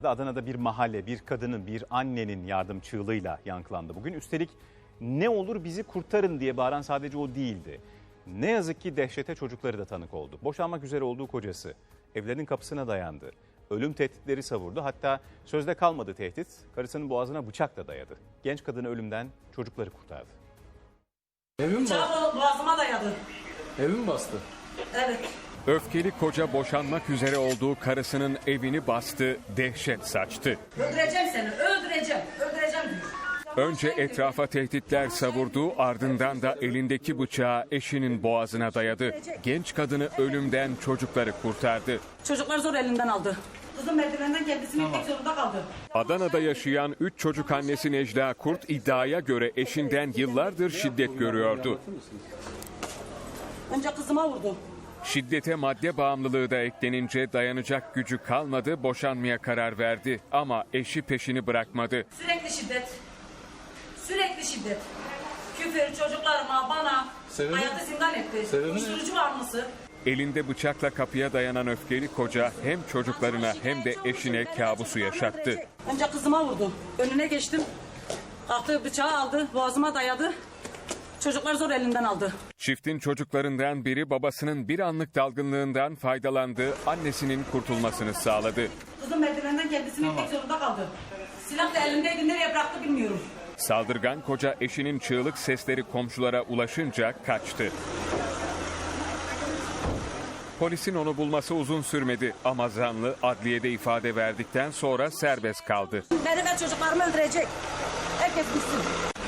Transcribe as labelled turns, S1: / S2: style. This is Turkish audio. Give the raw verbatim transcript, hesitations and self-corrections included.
S1: Adana'da bir mahalle, bir kadının, bir annenin yardım çığlığıyla yankılandı bugün. Üstelik ne olur bizi kurtarın diye bağıran sadece o değildi. Ne yazık ki dehşete çocukları da tanık oldu. Boşanmak üzere olduğu kocası evlerinin kapısına dayandı. Ölüm tehditleri savurdu. Hatta sözde kalmadı tehdit, karısının boğazına bıçakla dayadı. Genç kadını ölümden, çocukları kurtardı.
S2: Evim bastı.
S3: Bıçağı boğazıma dayadı.
S2: Evim bastı.
S3: Evet.
S4: Öfkeli koca boşanmak üzere olduğu karısının evini bastı, dehşet saçtı.
S3: Öldüreceğim seni, öldüreceğim, öldüreceğim diyor.
S4: Önce etrafa tehditler savurdu, ardından da elindeki bıçağı eşinin boğazına dayadı. Genç kadını ölümden, çocukları kurtardı.
S3: Çocuklar zor elinden aldı. Kızım merdivenden kendisini itmek zorunda kaldı.
S4: Adana'da yaşayan üç çocuk annesi Necla Kurt iddiaya göre eşinden yıllardır şiddet görüyordu.
S3: Önce kızıma vurdu.
S4: Şiddete madde bağımlılığı da eklenince dayanacak gücü kalmadı, boşanmaya karar verdi. Ama eşi peşini bırakmadı.
S3: Sürekli şiddet. Sürekli şiddet. Küfür çocuklarıma, bana
S2: Sebebi?
S3: hayatı zindan etti.
S2: Sebebi ne?
S3: Uyuşturucu bağımlısı.
S4: Elinde bıçakla kapıya dayanan öfkeli koca hem çocuklarına hem de eşine kabusu yaşattı.
S3: Önce kızıma vurdu. Önüne geçtim. Kalktı bıçağı aldı, boğazıma dayadı. Çocuklar zor elinden aldı.
S4: Çiftin çocuklarından biri babasının bir anlık dalgınlığından faydalandı, annesinin kurtulmasını sağladı.
S3: Kızım merdivenden kendisini itmek zorunda kaldı. Silah da elindeydi, nereye bıraktı bilmiyorum.
S4: Saldırgan koca eşinin çığlık sesleri komşulara ulaşınca kaçtı. Polisin onu bulması uzun sürmedi ama zanlı adliyede ifade verdikten sonra serbest kaldı.
S3: Beni ve çocuklarımı öldürecek. Herkes bilsin.